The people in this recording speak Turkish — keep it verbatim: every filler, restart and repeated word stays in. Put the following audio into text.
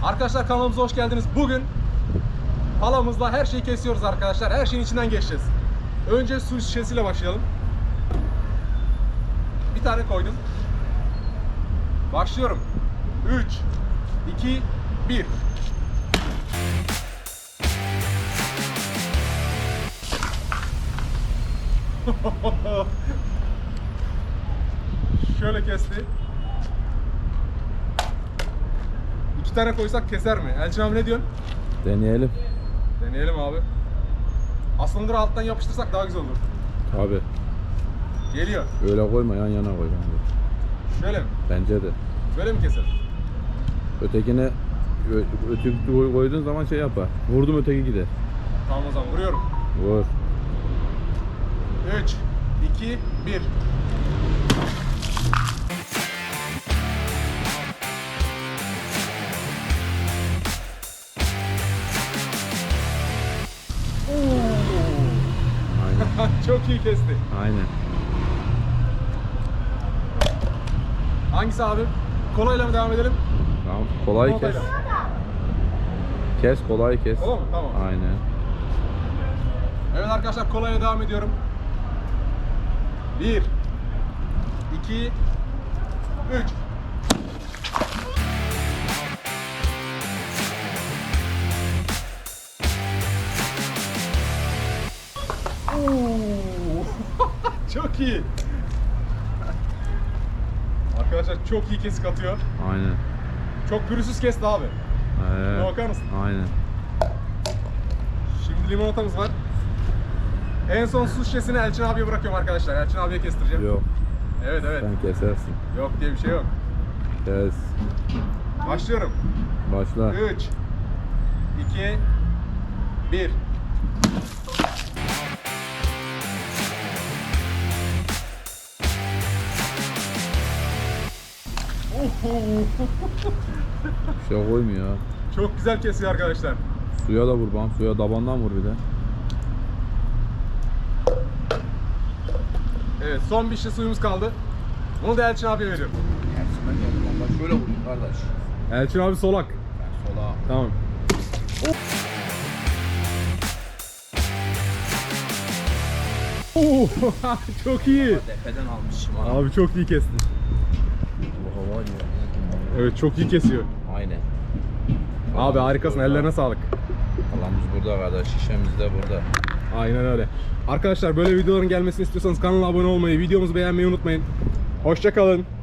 Arkadaşlar kanalımıza hoş geldiniz. Bugün palamızla her şeyi kesiyoruz arkadaşlar. Her şeyin içinden geçeceğiz. Önce su şişesiyle başlayalım. Bir tane koydum. Başlıyorum. üç, iki, bir. Şöyle kesti. İki tane koysak keser mi? Elçin abi ne diyorsun? Deneyelim. Deneyelim abi. Aslında alttan yapıştırsak daha güzel olur. Abi Geliyor. öyle koyma, yan yana koy bence. Şöyle mi? Bence de. Böyle mi keser? Ötekine ö- öteki koy- koyduğun zaman şey yapar. Vurdum öteki gider. Tamam o zaman vuruyorum. Vur. üç, iki, bir. Aynen. Çok iyi kesti. Aynen. Hangisi abi? Kolayla mı devam edelim? Tamam. Kolay kes. Kolayla. Kes, kolay kes. Kolay mı? Tamam. Aynen. Evet arkadaşlar kolayla devam ediyorum. bir, iki, üç. Çok iyi. Arkadaşlar çok iyi kesik atıyor. Aynen. Çok pürüzsüz kesti abi. Ee, Bakar mısın? Aynen. Şimdi limonatamız var. En son su şişesini Elçin abiye bırakıyorum arkadaşlar. Elçin abiye kestireceğim. Yok. Evet evet. Sen kesersin. Yok diye bir şey yok. Kes. Başlıyorum. Başla. üç, iki, bir. Bir şey koymuyor. Çok güzel kesiyor arkadaşlar. Suya da vur bana. Suya tabandan vur bir de. Evet son bir şişe suyumuz kaldı. Bunu da Elçin abiye veriyorum. Tersinden geldim ama şöyle vurayım kardeş. Elçin abi solak. Ben sola. Tamam. Oo, çok iyi. Defeden almışım ha. Abi çok iyi kestin. Bu hava ya. Evet çok iyi kesiyor. Aynen. Abi harikasın, ellerine sağlık. Palamız burada kardeş. Şişemiz de burada. Aynen öyle. Arkadaşlar böyle videoların gelmesini istiyorsanız kanala abone olmayı, videomuzu beğenmeyi unutmayın. Hoşça kalın.